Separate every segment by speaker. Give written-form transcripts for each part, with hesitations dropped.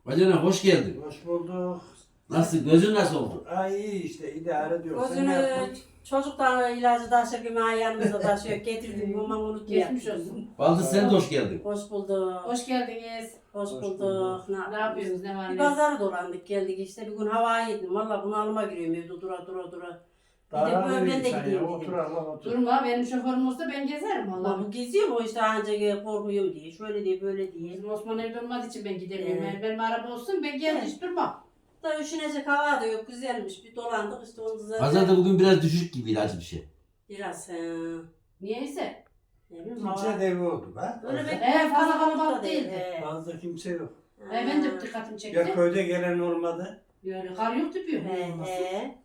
Speaker 1: Bacana hoş geldin.
Speaker 2: Hoş bulduk.
Speaker 1: Nasıl? Gözün nasıl oldu?
Speaker 2: Ay iyi işte idare ediyor. Sen ne
Speaker 3: Gözünü
Speaker 2: yaptın?
Speaker 3: çocuktan ilacı taşır gibi yanımıza taşıyor. Getirdim ama unuttum.
Speaker 4: Geçmiş olsun.
Speaker 1: Baldız sen de hoş geldin.
Speaker 3: Hoş bulduk.
Speaker 4: Hoş geldiniz.
Speaker 3: Hoş
Speaker 2: Hoş
Speaker 3: bulduk.
Speaker 2: bulduk.
Speaker 4: Ne yapıyorsunuz? Ne var
Speaker 3: Bir
Speaker 4: ne?
Speaker 3: pazar dolandık geldik işte. Bir gün havaya yedim. Valla bunalıma giriyorum evde dura. Bir de
Speaker 2: Daha
Speaker 3: böyle
Speaker 2: ne
Speaker 3: ben de
Speaker 2: sen
Speaker 3: gideyim
Speaker 2: ya? Otur
Speaker 3: dedim.
Speaker 2: Allah otur.
Speaker 4: Durma, benim şoförüm olsa ben gezerim
Speaker 3: Valla
Speaker 4: valla.
Speaker 3: bu geziyor mu işte ancak korkuyum diye. Şöyle diye böyle diye.
Speaker 4: Bizim Osman evde olmadığı için ben gidemiyorum.
Speaker 3: Evet.
Speaker 4: Benim araba olsun ben gel hiç durmam.
Speaker 3: Da üşünecek hava da yok. Güzelmiş. Bir dolandık işte onu zaten.
Speaker 1: Pazarda bugün biraz düşük gibiydi acı bir şey.
Speaker 3: Biraz
Speaker 4: Niyeyse.
Speaker 3: ne bileyim
Speaker 2: Kimse
Speaker 3: hava.
Speaker 2: devi oldu be.
Speaker 3: Öyle bir
Speaker 4: Fazla kalabalık
Speaker 3: da
Speaker 4: değildi.
Speaker 3: he.
Speaker 2: Fazla kimse yok.
Speaker 4: Ben de dikkatimi
Speaker 2: Ya
Speaker 4: çekti.
Speaker 2: köyde gelen olmadı.
Speaker 4: Böyle kar yok tüpüyor.
Speaker 3: He.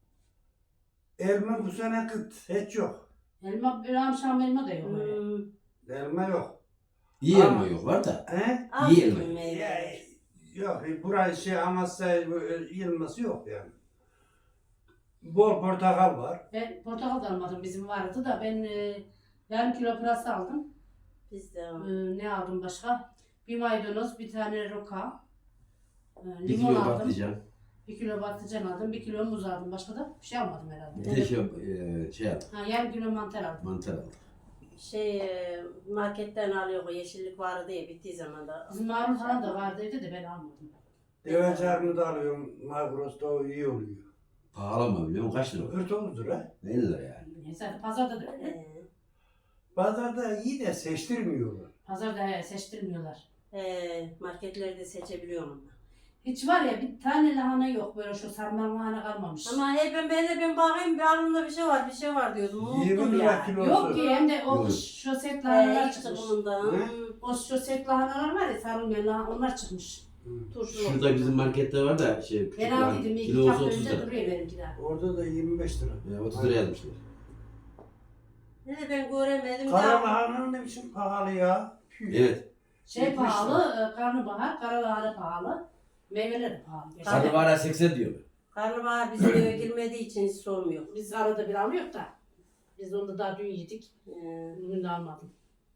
Speaker 2: Elma bu sene kıt. Hiç yok.
Speaker 4: Elma, bir akşam elma da yok öyle.
Speaker 2: Elma yok.
Speaker 1: İyi elma yok var da.
Speaker 2: He?
Speaker 1: İyi elma.
Speaker 2: Ya, yok. Burası şey Amasya yılması yok yani. Bol portakal var.
Speaker 4: Ben portakal da almadım, bizim vardı da ben yarım kilo pırasa aldım.
Speaker 3: Biz de
Speaker 4: Ne aldım başka? Bir maydanoz, bir tane roka,
Speaker 1: Bir
Speaker 4: limon
Speaker 1: kilo
Speaker 4: aldım.
Speaker 1: patlıcan.
Speaker 4: 1 kilo patlıcan aldım, 1 kilo muz aldım. Başka da bir şey almadım herhalde.
Speaker 1: Bir de şey aldım.
Speaker 4: Ha, yarım kilo mantar aldım.
Speaker 1: Mantar aldım.
Speaker 3: Marketten alıyor o yeşillik vardı ya bittiği zaman da.
Speaker 4: Bizim marul falan da vardıydı da ben almadım.
Speaker 2: Deve çarmı da alıyorum. Magros'ta o iyi oluyor.
Speaker 1: Pahalı mı biliyor musun? Kaç lira?
Speaker 2: 49 lira.
Speaker 1: 50 lira yani.
Speaker 4: Neyse pazarda da öyle.
Speaker 2: Pazarda iyi de seçtirmiyorlar.
Speaker 4: Pazarda seçtirmiyorlar.
Speaker 3: Marketlerde seçebiliyorum ama.
Speaker 4: Hiç var ya bir tane lahana yok böyle şu sarma lahana kalmamış.
Speaker 3: Ama hep ben bakayım bir aklımda bir şey var diyordum.
Speaker 2: 20
Speaker 3: Unuttum
Speaker 2: lira
Speaker 3: ya.
Speaker 2: kilosu.
Speaker 4: Yok ki hem de o
Speaker 1: Yok.
Speaker 4: şoset lahanalar
Speaker 3: İşte
Speaker 4: çıkmış.
Speaker 3: bundan.
Speaker 2: Hı?
Speaker 4: O şoset lahanalar var ya sarılmayan lahana onlar çıkmış.
Speaker 3: Turşu.
Speaker 1: Şurada bizim markette var da şey
Speaker 4: Ben
Speaker 1: küçük
Speaker 4: aldıydım iki
Speaker 1: kilosu
Speaker 4: hafta
Speaker 1: 30
Speaker 4: önce
Speaker 1: lira.
Speaker 4: duruyor benimki daha.
Speaker 2: Orada da 25 lira.
Speaker 1: 30 lira yazmışlar.
Speaker 3: Ne ben göremedim.
Speaker 2: Kara
Speaker 3: Ya.
Speaker 2: lahana ne biçim pahalı ya. Püh.
Speaker 1: Evet.
Speaker 4: Şey
Speaker 2: 70
Speaker 4: pahalı, karnabahar, kara lahana pahalı, meyveler pahalı.
Speaker 1: Sarı bara 80 diyorlar.
Speaker 3: Karnabahar bizim eve girmediği için hiç sormuyor.
Speaker 4: Biz arada bir alıyoruz da. Biz onu da daha dün yedik. Bugün de almadım.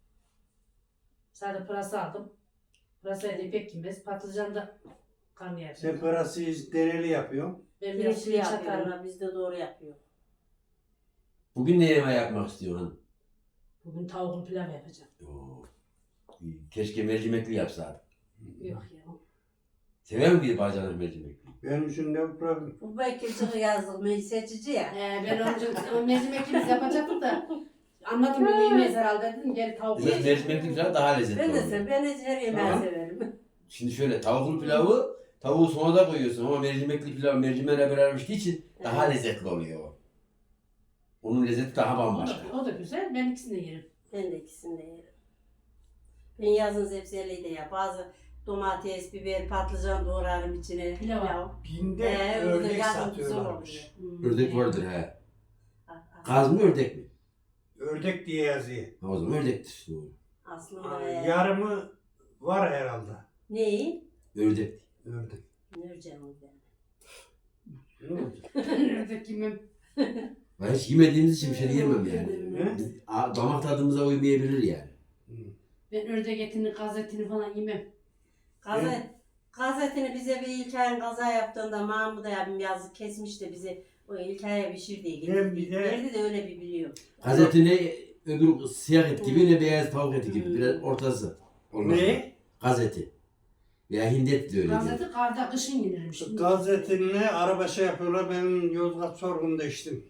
Speaker 4: Sadece pırasa aldım. Pırasayı da pek yemez. Patlıcan da karnıyarık.
Speaker 2: Sen parası dereli yapıyorsun.
Speaker 4: Ben biraz
Speaker 3: Pirinçli
Speaker 4: pirinç atarım.
Speaker 3: yapıyorlar. Biz de doğru yapıyor.
Speaker 1: Bugün ne yemeği yapmak istiyorsun?
Speaker 4: Bugün tavuklu pilav yapacağım.
Speaker 1: Oo. Keşke mercimekli yapsaydık.
Speaker 4: Yok ya.
Speaker 1: Sever mi bir bacana mercimekli?
Speaker 2: Benim için ne problem?
Speaker 3: Bu Bekir'cığı yazdık. Seçici ya.
Speaker 4: Ben onun mercimekimiz yapacaktım da anladım bir yemez herhalde dedim gel tavuk
Speaker 1: Biraz
Speaker 4: yiyeceğim.
Speaker 1: mercimekli falan daha lezzetli
Speaker 3: Ben de
Speaker 1: oluyor.
Speaker 3: ben de her yemeği
Speaker 1: Tamam.
Speaker 3: severim.
Speaker 1: Şimdi şöyle tavuklu pilavı tavuğu sona da koyuyorsun ama mercimekli pilav mercimeğe beraber piştiği için daha
Speaker 3: Evet.
Speaker 1: lezzetli oluyor o. Onun lezzeti daha bambaşka.
Speaker 4: O da güzel. Ben ikisini de yerim.
Speaker 3: Ben de ikisini de yerim. Ben yazın zepseliği de yap. Bazı domates, biber, patlıcan doğrarım içine.
Speaker 4: Pilav.
Speaker 2: Binde
Speaker 3: öyle
Speaker 2: ördek
Speaker 3: yazın güzel
Speaker 2: satıyorlarmış.
Speaker 3: oluyor.
Speaker 1: Ördek vardır he.
Speaker 3: Ah,
Speaker 1: Kaz mı ördek mi?
Speaker 2: Ördek diye yazıyor.
Speaker 1: Ha, o zaman ördektir. Doğru.
Speaker 3: Aslında
Speaker 2: Yarımı var herhalde.
Speaker 3: neyi?
Speaker 1: Ördek.
Speaker 2: Ördek.
Speaker 3: Nurcan o ben.
Speaker 2: Ne olacak?
Speaker 4: Ördek yemem.
Speaker 1: Ben hiç yemediğimiz için bir şey yemem yani.
Speaker 2: He?
Speaker 1: Damak tadımıza uymayabilir yani.
Speaker 4: Ben ördek etini, kaz etini falan yemem.
Speaker 3: Gazetini bize bir İlkay'ın kaza yaptığında Mahmut abim yazık kesmiş de bize o İlkay'a pişir diye
Speaker 2: Ben bir
Speaker 3: getirdi.
Speaker 2: de-
Speaker 3: Nerede de öyle bir biliyor.
Speaker 1: Gazetine öbür siyah et gibi ne beyaz tavuk eti gibi. Biraz ortası. Olmaz.
Speaker 2: Ne?
Speaker 1: Gazeti. Veya hindet de öyle diyor.
Speaker 4: Gazete karda kışın yenirmiş.
Speaker 2: Gazetinle araba şey yapıyorlar. Ben Yozgat sorgunda içtim.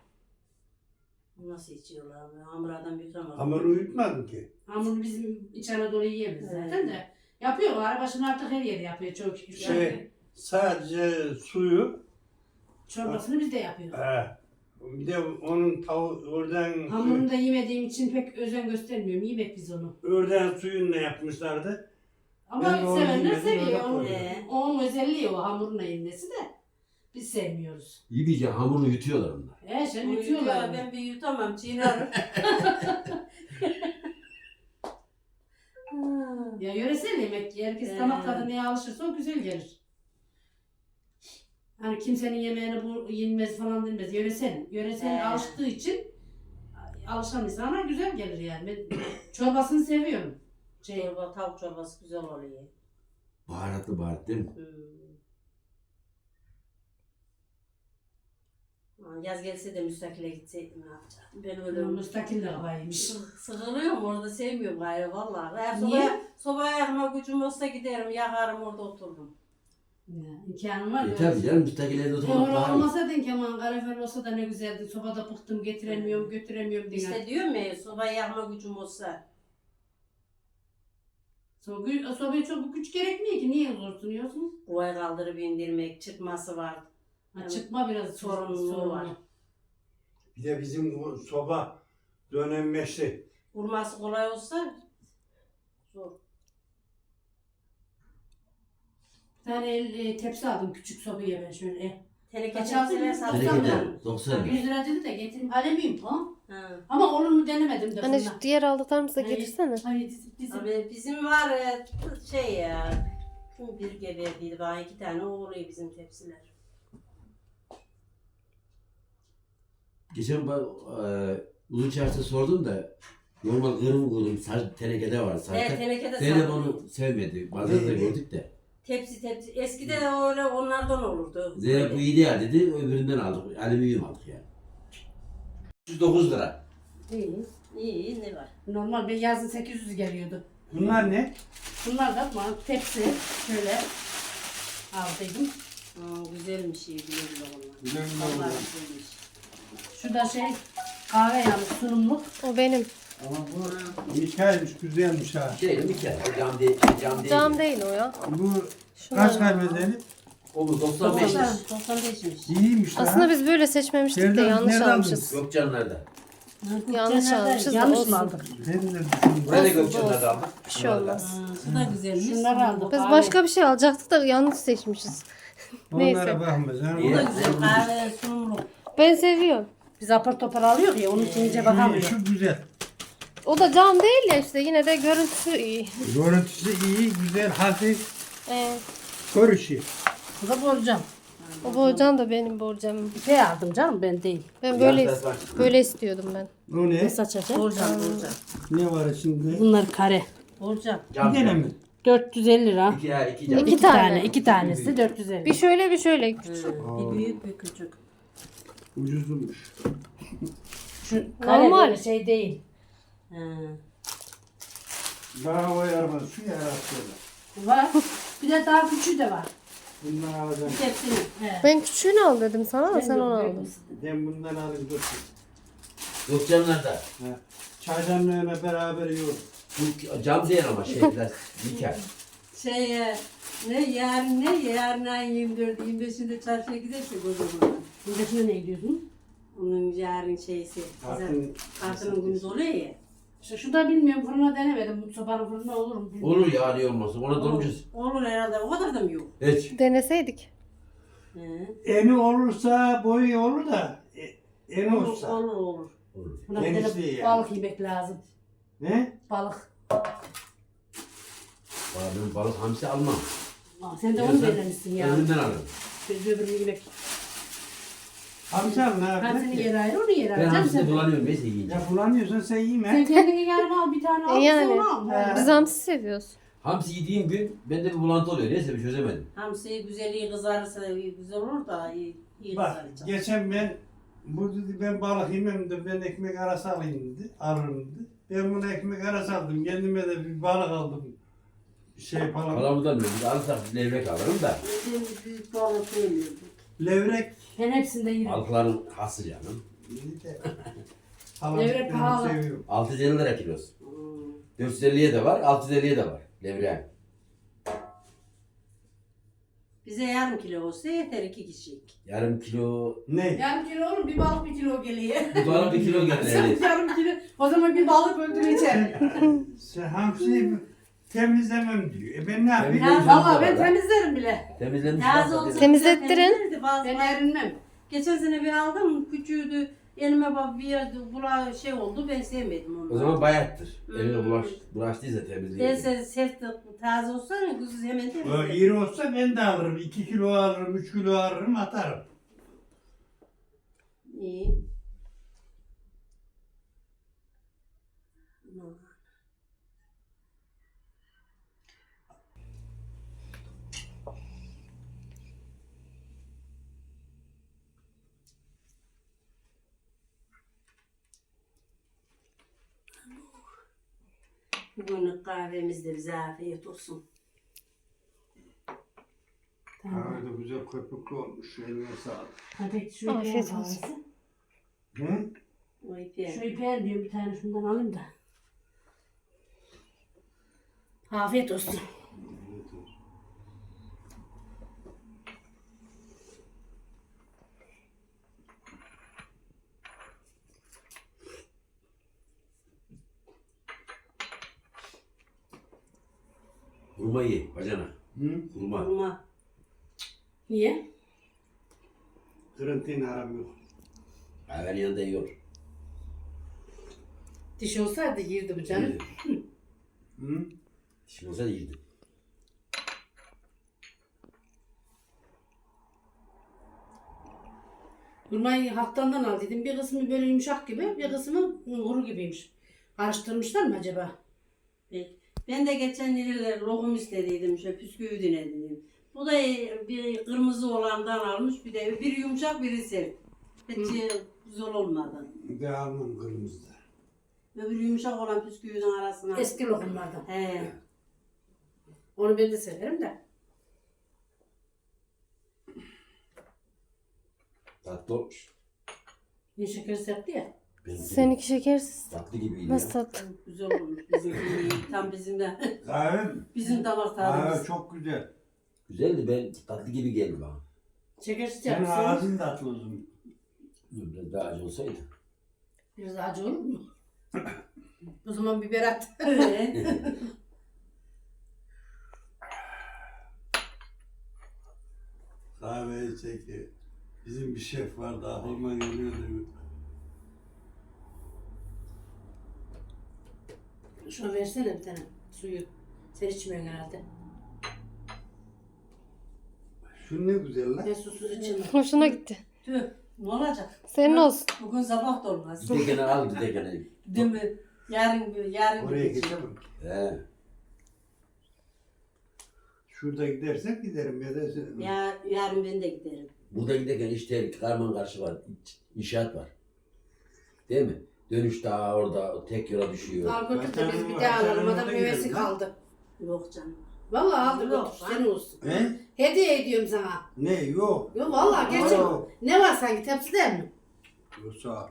Speaker 3: Nasıl içiyorlar? Hamurdan bir tutamaz.
Speaker 2: Hamuru uyutmadım ki.
Speaker 4: Hamuru bizim İç Anadolu yiyemeyiz zaten de. Yapıyor başını artık her yerde yapıyor çok şükür.
Speaker 2: Şey, sadece suyu.
Speaker 4: Çorbasını biz de yapıyoruz.
Speaker 2: Bir de onun oradan
Speaker 4: Hamurunu da yemediğim için pek özen göstermiyorum. Yemek biz onu.
Speaker 2: oradan suyunla yapmışlardı.
Speaker 4: Ama
Speaker 2: Ben de onu
Speaker 4: sevenler
Speaker 2: yemedim,
Speaker 4: seviyor.
Speaker 2: öyle
Speaker 4: Onun,
Speaker 2: koydum.
Speaker 4: onun özelliği o hamuruna yenmesi de. Biz sevmiyoruz.
Speaker 1: İyice hamuru yutuyorlar onlar.
Speaker 4: Sen
Speaker 3: Yutuyorlar.
Speaker 4: yutuyorlar.
Speaker 3: Ben bir yutamam. Çiğnerim.
Speaker 4: Ya yöresel yemek. Herkes damak tadı neye alışırsa o güzel gelir. Hani kimsenin yemeğini bu yenmez falan denmez. Yöresel alıştığı için alışan insana güzel gelir yani. Ben çorbasını seviyorum.
Speaker 3: Tavuk çorbası güzel oluyor.
Speaker 1: Baharatlı baharat değil mi?
Speaker 3: Yaz gelse de müstakile gitseydim ne yapacaktım? Ben öyle
Speaker 4: Müstakil de koymuş.
Speaker 3: sıkılıyorum orada, sevmiyorum gayrı vallahi. Eğer
Speaker 4: Niye?
Speaker 3: sobaya yakma gücüm olsa giderim, yakarım orada otururum.
Speaker 4: Ya, imkanım var.
Speaker 1: Tabii canım müstakil evde oturmak
Speaker 4: Doğru
Speaker 1: daha iyi.
Speaker 4: olmasa den Kemal kalorifer olsa da ne güzeldi. Sobada bıktım getiremiyorum götüremiyorum diye.
Speaker 3: İşte diyorum ya, sobaya yakma gücüm olsa.
Speaker 4: Sobaya çok güç gerekmiyor ki. Niye zor sunuyorsun?
Speaker 3: Kovayı kaldırıp indirmek, çıkması var.
Speaker 4: Ha, çıkma biraz
Speaker 3: Sorumluluğu var.
Speaker 2: Bir de bizim o soba dönenmeşti.
Speaker 3: Vurması kolay olsa zor.
Speaker 4: Bir tane tepsi aldım küçük sobaya ben şöyle.
Speaker 3: Teneke
Speaker 4: Kaç aldın?
Speaker 3: tepsiler satacağım
Speaker 1: Tenekede
Speaker 3: ben.
Speaker 1: 90
Speaker 4: 100 lira dedi de getireyim. Alüminyum ha.
Speaker 3: Ha.
Speaker 4: Ama olur mu denemedim de.
Speaker 5: Hani
Speaker 4: fırına.
Speaker 5: şu diğer aldıklarımızı da
Speaker 4: Hayır.
Speaker 5: getirsene.
Speaker 4: Hayır bizim.
Speaker 3: Abi bizim var şey ya. Kim bir geberdiydi bana, 2 tane oluyor bizim tepsiler.
Speaker 1: Geçen ben Uzun Çarşı'da sordum da normal kırım tenekede var
Speaker 3: Evet,
Speaker 1: zaten.
Speaker 3: tenekede
Speaker 1: Zeynep
Speaker 3: satıyor.
Speaker 1: onu sevmedi. Bazen de gördük de.
Speaker 3: Tepsi. Eskiden de öyle onlardan olurdu.
Speaker 1: Zeynep bu iyi değil dedi. Öbüründen aldık. Alüminyum aldık yani. 309 lira.
Speaker 3: İyi ne var?
Speaker 4: Normal bir yazın 800 geliyordu.
Speaker 2: Bunlar ne?
Speaker 4: Bunlar da bana tepsi şöyle aldıydım.
Speaker 3: Güzelmiş iyi, güle güle onlar.
Speaker 2: Güle güle
Speaker 3: Vallahi
Speaker 2: onlar.
Speaker 3: güzelmiş.
Speaker 4: Şu da şey kahve yanı sunumluk.
Speaker 5: O benim.
Speaker 2: Ama bu hikayemiş, güzelmiş ha.
Speaker 1: Şey bir kere cam değil. Cam değil.
Speaker 5: Cam değil o ya.
Speaker 2: Bu
Speaker 5: Şunlar.
Speaker 2: kaç kaybedeli?
Speaker 1: O bu 95 lira.
Speaker 3: 95'miş.
Speaker 2: İyiymiş ha.
Speaker 5: Aslında biz böyle seçmemiştik de
Speaker 2: Nereden-
Speaker 5: yanlış
Speaker 2: nereden
Speaker 5: almışız.
Speaker 1: Gökçenler'de.
Speaker 5: Yanlış almışız da
Speaker 4: Yanlış
Speaker 5: olsun.
Speaker 4: mı aldık?
Speaker 2: Ben de düşündüm.
Speaker 1: Buraya da
Speaker 5: Olsun,
Speaker 1: Gökçenler'de aldık.
Speaker 5: Bir şey olmaz.
Speaker 3: Şu da güzelmiş.
Speaker 4: Şunları aldık.
Speaker 5: Biz
Speaker 4: kahve.
Speaker 5: başka bir şey alacaktık da yanlış seçmişiz. Neyse.
Speaker 2: Onlara bakma canım.
Speaker 3: Bu da güzel, kahve sunumluk.
Speaker 5: Ben seviyorum.
Speaker 4: Biz apar topar alıyor ya onun için iyice bakamıyor.
Speaker 2: Şu güzel.
Speaker 5: O da cam değil ya işte, yine de görüntüsü iyi.
Speaker 2: Görüntüsü iyi, güzel, hafif,
Speaker 5: Ee,
Speaker 2: görüşü.
Speaker 4: Bu da borcam.
Speaker 5: o borcam da benim borcamım.
Speaker 4: İpe aldım canım ben değil.
Speaker 5: Ben
Speaker 1: Biraz
Speaker 5: böyle istiyordum ben.
Speaker 2: O ne?
Speaker 4: Nasıl açacağım?
Speaker 3: Borcam.
Speaker 2: Ne var içinde?
Speaker 4: Bunlar kare.
Speaker 3: Borcam.
Speaker 1: Cam.
Speaker 2: Bir tane mi?
Speaker 4: 450 lira.
Speaker 1: İki ya iki cam.
Speaker 5: İki tane.
Speaker 4: İki tanesi 450.
Speaker 5: Bir şöyle bir şöyle.
Speaker 3: Bir büyük bir küçük.
Speaker 2: Ucuzmuş.
Speaker 4: Şu kare
Speaker 5: Normal.
Speaker 4: böyle şey değil.
Speaker 3: Ha.
Speaker 2: Daha o yaramaz. Şu yaratıyorlar.
Speaker 4: Var. Bir de daha küçüğü de var.
Speaker 2: Bundan alacağım.
Speaker 3: Tepsini.
Speaker 4: He.
Speaker 5: Ben küçüğünü al dedim sana ama
Speaker 4: Ben
Speaker 5: sen
Speaker 4: yok,
Speaker 5: onu
Speaker 4: ben
Speaker 5: aldın.
Speaker 2: Ben bundan alayım dur.
Speaker 1: Gökçenler'de.
Speaker 2: Ha. Çaydanlığına beraber yiyorum.
Speaker 1: Bu cam değil ama şey biraz nikel.
Speaker 3: Yarın ayın 24, 25'inde çarşıya gidersek o zaman.
Speaker 4: Buradakine ne gidiyorsun?
Speaker 3: Onun yarın şeysi. Kartının günü oluyor ya.
Speaker 4: İşte şu da bilmiyorum fırına denemedim. Sobanın fırında olur mu bilmiyorum.
Speaker 1: Olur ya niye olmasın. Ona donacağız.
Speaker 3: Olur herhalde, o kadar da mı yok?
Speaker 1: Hiç.
Speaker 5: Deneseydik.
Speaker 3: He.
Speaker 2: Eni olursa boyu olur da eni
Speaker 3: Olur,
Speaker 2: olsa.
Speaker 3: olur.
Speaker 1: Olur.
Speaker 4: Buna bir
Speaker 2: Genişliği
Speaker 4: tane
Speaker 2: yani.
Speaker 4: balık yemek lazım.
Speaker 2: Ne?
Speaker 4: Balık.
Speaker 1: Valla ben balık hamsi almam.
Speaker 4: Aa, sen de onu belirlemişsin ya.
Speaker 1: Öbüründen alırım.
Speaker 4: Biz öbürünü yemek.
Speaker 2: Amcan ne
Speaker 4: Ben
Speaker 2: yapıyor?
Speaker 4: seni yer ayrı, onu yer
Speaker 1: Ben
Speaker 4: ayrı. Canım
Speaker 1: hamsini
Speaker 4: sen,
Speaker 1: bulanıyorum neyse yiyince.
Speaker 2: Ya bulamıyorsan sen
Speaker 4: sen
Speaker 2: yeme.
Speaker 4: kendine yarım al, bir tane al,
Speaker 5: Yani.
Speaker 4: sen onu al.
Speaker 2: He.
Speaker 5: Biz hamsi seviyoruz.
Speaker 1: Hamsi yediğim gün bende bir bulantı oluyor. Neyse bir çözemedim.
Speaker 3: Hamsi güzel kızarırsa güzel olur da iyi
Speaker 2: Bak
Speaker 3: kızaracak.
Speaker 2: geçen bu dedi ben balık yemem de ben ekmek arası alayım dedi. Alırım dedi. Ben buna ekmek arası aldım. Kendime de bir balık aldım. Şey falan.
Speaker 1: Palamıdan mı? Bir alırsak levrek alırım da.
Speaker 3: Bizim büyük balık yemiyorduk.
Speaker 2: Levrek.
Speaker 4: Ben hepsinde yerim.
Speaker 1: Balıkların hası canım.
Speaker 2: Halam
Speaker 4: Levrek
Speaker 2: ben
Speaker 4: pahalı.
Speaker 2: seviyorum.
Speaker 1: 650 lira kilosu.
Speaker 3: Hmm.
Speaker 1: 450'ye de var, 650'ye de var. Levreğin.
Speaker 3: Bize yarım kilo olsa yeter 2 kişilik.
Speaker 1: Yarım kilo,
Speaker 2: Ne?
Speaker 4: Yarım kilo olur, bir balık 1 kilo geliyor.
Speaker 1: bir balık 1 kilo gelir.
Speaker 4: Yarım kilo. O zaman bir balık öldüreceğim.
Speaker 2: Sen hamsiyi temizlemem diyor. Ben ne yapayım?
Speaker 1: Temizlemem.
Speaker 4: Valla ben temizlerim bile.
Speaker 1: Temizlenmiş.
Speaker 3: Taze
Speaker 1: varsa
Speaker 3: olsa
Speaker 5: Temizlettirin.
Speaker 3: temizlerdi bazı.
Speaker 4: Ben erinmem.
Speaker 3: Geçen sene bir aldım, küçüğüydü. Elime bak bir yerde şey oldu, ben sevmedim onu.
Speaker 1: O zaman bayattır.
Speaker 3: Hmm.
Speaker 1: Eline bulaştıysa temizleyin.
Speaker 3: Değilse sert taze olsa kız hemen
Speaker 2: O
Speaker 3: temizler.
Speaker 2: iri olsa ben de alırım. 2 kilo alırım, 3 kilo alırım, atarım.
Speaker 3: İyi. Bugünlük kahvemiz de bize afiyet olsun.
Speaker 4: Tamam.
Speaker 2: Kahve de güzel köpüklü olmuş. Eline sağlık.
Speaker 4: Hadi şu
Speaker 5: Afiyet
Speaker 4: ipeğin
Speaker 5: olsun.
Speaker 4: kahvesi.
Speaker 2: Hı?
Speaker 3: O ipi.
Speaker 4: Şu ipeğin diyorum bir tane şundan alayım da. Afiyet olsun.
Speaker 1: Hurma ye bacana.
Speaker 2: Hı?
Speaker 1: Hurma.
Speaker 3: Hurma.
Speaker 4: Niye?
Speaker 2: Kırıntıyla aram yok.
Speaker 1: Kahvenin yanında yiyor.
Speaker 4: Diş olsaydı girdi bu canım.
Speaker 2: Hı?
Speaker 1: Şimdi olsa yiydi.
Speaker 4: Hurmayı haktandan al dedim. Bir kısmı böyle yumuşak gibi, bir kısmı kuru gibiymiş. Karıştırmışlar mı acaba?
Speaker 3: Peki. Ben de geçen yıllar lokum istediydim. Şöyle püsküvü denedim. Bu da bir kırmızı olandan almış. Bir de biri yumuşak biri sert. Hiç güzel olmadı.
Speaker 2: De almam kırmızıda.
Speaker 3: Öbür yumuşak olan püsküvünün arasına.
Speaker 4: Eski lokumlardan.
Speaker 3: He.
Speaker 4: Onu ben de severim de.
Speaker 1: Tatlı olmuş.
Speaker 4: Ne şeker serpti ya.
Speaker 1: Benimki de
Speaker 5: Seninki şekersiz.
Speaker 1: tatlı gibiydi
Speaker 5: Nasıl
Speaker 1: ya.
Speaker 5: tatlı?
Speaker 3: Güzel olmuş. Bizimki iyi. Tam bizim de.
Speaker 2: Kahve mi?
Speaker 3: Bizim damak
Speaker 2: Kahve
Speaker 3: tadımız.
Speaker 2: çok güzel.
Speaker 1: Güzeldi, ben tatlı gibi geldi bana.
Speaker 4: Şekersiz
Speaker 2: Senin
Speaker 4: yapmışsın.
Speaker 2: ağzın tatlı uzun.
Speaker 1: Biraz daha acı olsaydı.
Speaker 4: Biraz acı olur mu? O zaman biber at.
Speaker 3: Öyle.
Speaker 2: Kahveyi çekiyor. Bizim bir şef vardı, aklıma geliyordu.
Speaker 4: Şuna versene bir tane suyu. Sen içmiyorsun herhalde.
Speaker 2: Şu ne güzel lan.
Speaker 4: Ben susuz içemem.
Speaker 5: Hoşuna gitti.
Speaker 3: Tüh. Ne olacak?
Speaker 5: Senin olsun.
Speaker 3: Bugün sabah da olmaz.
Speaker 1: Gidekene al gidekene.
Speaker 3: Değil mi? Yarın
Speaker 2: Oraya
Speaker 3: gideceğim.
Speaker 2: geçemem.
Speaker 1: He.
Speaker 2: Şurada gidersek giderim ya da
Speaker 3: Yarın ben de giderim.
Speaker 1: Burada giderken işte karman karşı var. İnşaat var. Değil mi? Dönüş daha orada tek yola düşüyor.
Speaker 4: Al götür de biz bir daha alalım. Adam meyvesi kaldı.
Speaker 3: Yok canım.
Speaker 4: Vallahi aldı
Speaker 3: Yok,
Speaker 4: götür.
Speaker 3: ha?
Speaker 4: Sen olsun.
Speaker 2: He?
Speaker 4: Hediye ediyorum sana.
Speaker 2: Ne? Yok.
Speaker 4: Yok vallahi gerçek.
Speaker 2: Yok.
Speaker 4: Ne var sanki tepside mi?
Speaker 2: Yok sağ ol.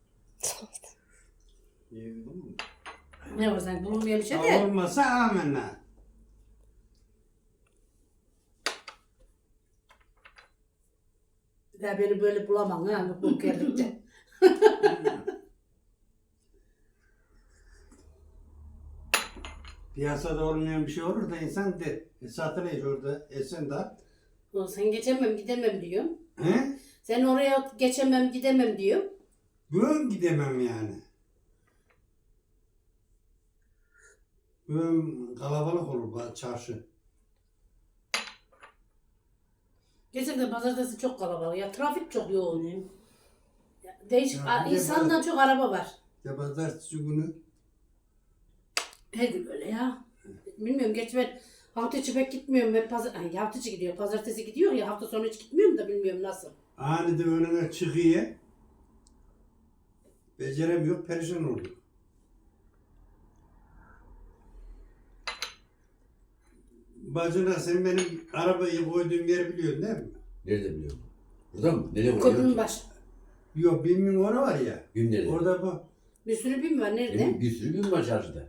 Speaker 2: İyi, değil mi?
Speaker 4: Ne var sanki bulunmayan bir şey
Speaker 2: Ha,
Speaker 4: de.
Speaker 2: olmasa amenna.
Speaker 4: Ya beni böyle bulamam ha mutluluk geldikçe.
Speaker 2: Piyasada olmayan bir şey olur da insan de satılıyor orada esen de.
Speaker 4: Ulan sen geçemem gidemem diyorsun.
Speaker 2: He?
Speaker 4: Sen oraya geçemem gidemem diyor.
Speaker 2: Bugün gidemem yani. Bugün kalabalık olur çarşı.
Speaker 4: Geçen de pazartesi çok kalabalık ya trafik çok yoğun.
Speaker 3: Ne?
Speaker 4: Değişik
Speaker 2: Ya bir de
Speaker 4: insandan çok araba var.
Speaker 2: Ya pazartesi günü
Speaker 4: Her gün öyle ya. Bilmiyorum geç ben hafta içi pek gitmiyorum. Ben hafta içi gidiyor. Pazartesi gidiyor ya hafta sonu hiç gitmiyorum da bilmiyorum nasıl.
Speaker 2: aniden önüne çıkıyor. Beceremiyor, perişan oluyor. Bacına sen benim arabayı koyduğum yeri biliyorsun değil mi?
Speaker 1: Nerede biliyorum? Burada mı? Nereye
Speaker 4: Köprünün
Speaker 1: koyuyor?
Speaker 4: baş.
Speaker 2: Yok, bilmiyorum orası var ya.
Speaker 1: Gün nerede?
Speaker 2: Orada bu
Speaker 4: Bir sürü bin var nerede?
Speaker 1: Bir sürü gün var çarşıda.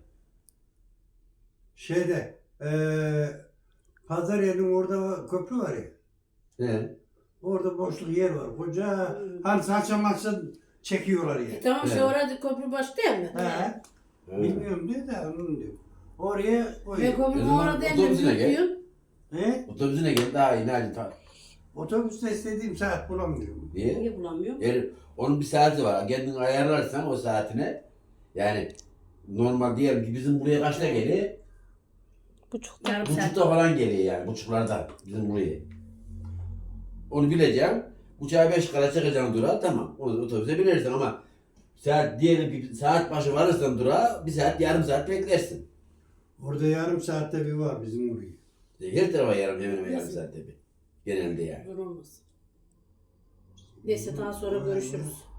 Speaker 2: şeyde pazar yerinin orada köprü var ya.
Speaker 1: He.
Speaker 2: Orada boşluk yer var. Koca hani saça maça çekiyorlar ya.
Speaker 4: Tamam şey
Speaker 1: Evet.
Speaker 4: orada köprü baş değil mi?
Speaker 2: He.
Speaker 1: He.
Speaker 2: Bilmiyorum diyor da onun diyor. Oraya
Speaker 4: Ve
Speaker 2: koyuyor.
Speaker 4: köprü
Speaker 1: O zaman
Speaker 4: orada değil
Speaker 1: otobüsüne
Speaker 4: mi?
Speaker 1: gel.
Speaker 4: Diyorsun.
Speaker 2: He?
Speaker 1: Otobüsüne gel daha iyi. Nerede?
Speaker 2: Otobüste istediğim saat bulamıyorum.
Speaker 1: Niye?
Speaker 3: Niye bulamıyorum?
Speaker 1: Yani onun bir saati var. Kendin ayarlarsan o saatine yani normal diyelim ki bizim buraya kaçta geliyor?
Speaker 5: Buçukta.
Speaker 4: Yarım saat.
Speaker 1: Buçukta falan geliyor yani. Buçuklarda bizim buraya. Onu bileceğim. Uçağa 5 kala çıkacaksın durağa tamam. O otobüse binersin ama saat diyelim ki saat başı varırsan durağa bir saat yarım saat beklersin.
Speaker 2: Orada yarım saatte bir var bizim oraya.
Speaker 1: Her tarafa hemen hemen yarım saatte bir. Genelde yani.
Speaker 4: Zor olmaz. Neyse daha sonra görüşürüz.